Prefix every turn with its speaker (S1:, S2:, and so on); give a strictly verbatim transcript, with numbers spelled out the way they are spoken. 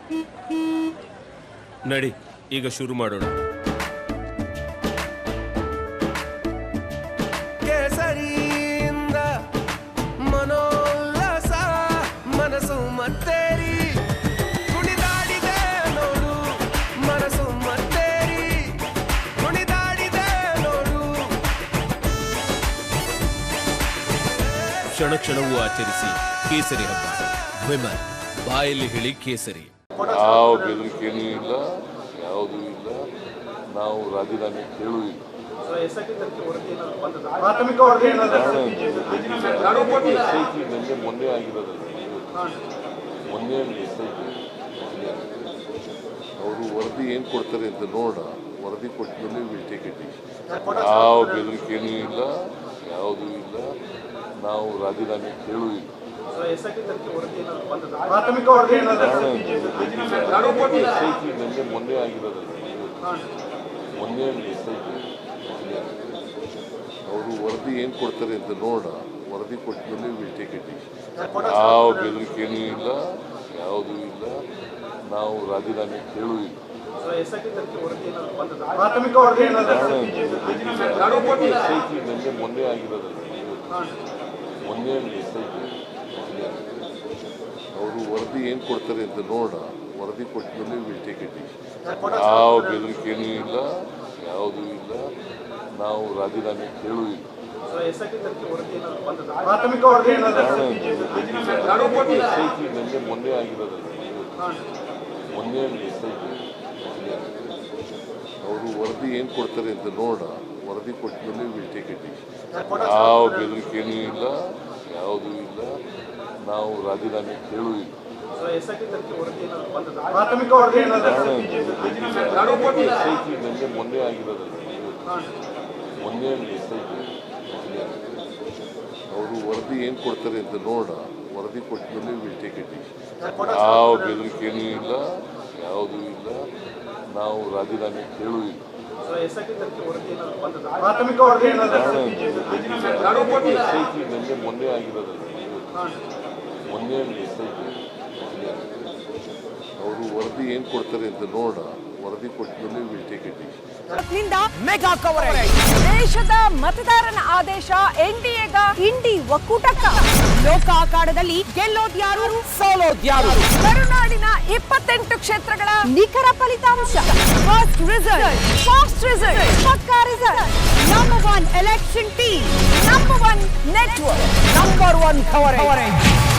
S1: ನಡಿ ಈಗ ಶುರು ಮಾಡೋಣ. ಕೇಸರಿಯಿಂದ ಮನೋಲ್ಲಾಸ ಮನಸ್ಸು ಮತ್ತೇರಿ ಕುಣಿದಾಡಿದೆ ನೋಡು, ಮನಸ್ಸು ಮತ್ತೇರಿ ಕುಣಿದಾಡಿದೆ ನೋಡು. ಕ್ಷಣ ಕ್ಷಣವೂ ಆಚರಿಸಿ ಕೇಸರಿ ಹಬ್ಬ. ವಿಮಲ್ ಬಾಯಲ್ಲಿ ಹೇಳಿ ಕೇಸರಿ.
S2: ಯಾವ ಬೆದರಿಕೆನೂ ಇಲ್ಲ, ಯಾವುದೂ ಇಲ್ಲ. ನಾವು ರಾಜೀನಾಮೆ ಕೇಳೂ ಇಲ್ಲ. ಎಸ್ ಐ ಟಿ ನನಗೆ ಮೊನ್ನೆ ಆಗಿರೋದಲ್ಲ, ಮೊನ್ನೆ ಎಸ್ ಐ ಟಿ ಅವರು ವರದಿ ಏನು ಕೊಡ್ತಾರೆ ಅಂತ ನೋಡ, ವರದಿ ಕೊಟ್ಟ ಮೇಲೆ ವಿಲ್ ಟೇಕ್ ಇಟ್. ಯಾವ ಬೆದರಿಕೆನೂ ಇಲ್ಲ, ಯಾವುದೂ ಇಲ್ಲ. ನಾವು ರಾಜೀನಾಮೆ ಕೇಳೂ ಇಲ್ಲ. ಎಸ್ ಐ ಟಿ ನನಗೆ ಮೊನ್ನೆ ಆಗಿರೋದಲ್ಲ, ಮೊನ್ನೆ ಎಸ್ ಐ ಟಿ ಅವರು ವರದಿ ಏನು ಕೊಡ್ತಾರೆ ಅಂತ ನೋಡ, ವರದಿ ಕೊಟ್ಟ ಮೇಲೆ ವಿಲ್ ಟೇಕ್ ಇಟ್. ಯಾವ ಬೆದರಿಕೆನೂ ಇಲ್ಲ, ಯಾವುದೂ ಇಲ್ಲ. ನಾವು ರಾಜೀನಾಮೆ ಕೇಳೂ ಇಲ್ಲ. ಎಸ್ ಐ ಟಿ ನನಗೆ ಮೊನ್ನೆ ಆಗಿರೋದಲ್ಲ, ಮೊನ್ನೆ ಎಸ್ ಐ ಟಿ ಅವರು ವರದಿ ಏನು ಕೊಡ್ತಾರೆ ಅಂತ ನೋಡ, ವರದಿ ಕೊಟ್ಟ ಮೇಲೆ ವಿಲ್ ಟೇಕ್ ಇಟ್. ಯಾವ ಬೆದರಿಕೆನೂ ಇಲ್ಲ, ಯಾವುದೂ ಇಲ್ಲ. ನಾವು ರಾಜೀನಾಮೆ ಕೇಳೂ ಇಲ್ಲ. ಎಸ್ ಐ ಟಿ ನನಗೆ ಮೊನ್ನೆ ಆಗಿರೋದಲ್ಲ, ಮೊನ್ನೆ ಎಸ್ ಐ ಟಿ ಅವರು ವರದಿ ಏನು ಕೊಡ್ತಾರೆ ಅಂತ ನೋಡ, ವರದಿ ಕೊಟ್ಟ ಮೇಲೆ ವಿಲ್ ಟೇಕ್ ಇಟ್. ಯಾವ ಬೆದರಿಕೆನೂ ಇಲ್ಲ, ಯಾವುದೂ ಇಲ್ಲ. ನಾವು ರಾಜೀನಾಮೆ ಕೇಳೂ ಇಲ್ಲ. ಎಸ್ ಐ ಟಿ ನನಗೆ ಮೊನ್ನೆ ಆಗಿರೋದಲ್ಲ, ಮೊನ್ನೆ ಎಸ್ ಐ ಟಿ ಅವರು ವರದಿ ಏನು ಕೊಡ್ತಾರೆ ಅಂತ ನೋಡ, ವರದಿ ಕೊಟ್ಟ ಮೇಲೆ ವಿಲ್ ಟೇಕ್ ಇಟ್. ಯಾವ ಬೆದರಿಕೆನೂ ಇಲ್ಲ, ಯಾವುದೂ ಇಲ್ಲ. ನಾವು ರಾಜೀನಾಮೆ ಕೇಳೂ ಇಲ್ಲ. ಎಸ್ ಐ ಟಿ ನನಗೆ ಮೊನ್ನೆ ಆಗಿರೋದಲ್ಲ, ಮೊನ್ನೆ ಎಸ್ ಐ ಟಿ ಅವರು ವರದಿ ಏನು ಕೊಡ್ತಾರೆ ಅಂತ ನೋಡ, ವರದಿ ಕೊಟ್ಟ ಮೇಲೆ will take it.
S3: Mega coverage. ದೇಶದ ಮತದಾರನ ಆದೇಶ ಎನ್ಡಿಎಗ ಇಂಡಿ ಒಕ್ಕೂಟಕ್ಕ. ಲೋಕ ಅಖಾಡದಲ್ಲಿ ಗೆಲ್ಲೋದ್ಯಾರು ಸೋಲೋದ್ಯಾರು. ಕರುನಾಡಿನ ಇಪ್ಪತ್ತೆಂಟು ಕ್ಷೇತ್ರಗಳ ನಿಖರ ಫಲಿತಾಂಶ. ಫಸ್ಟ್ ರಿಸಲ್ಟ್, ಫಾಸ್ಟ್ ರಿಸಲ್ಟ್, ಪಕ್ಕಾ result. Number one election team, number one network, number one coverage.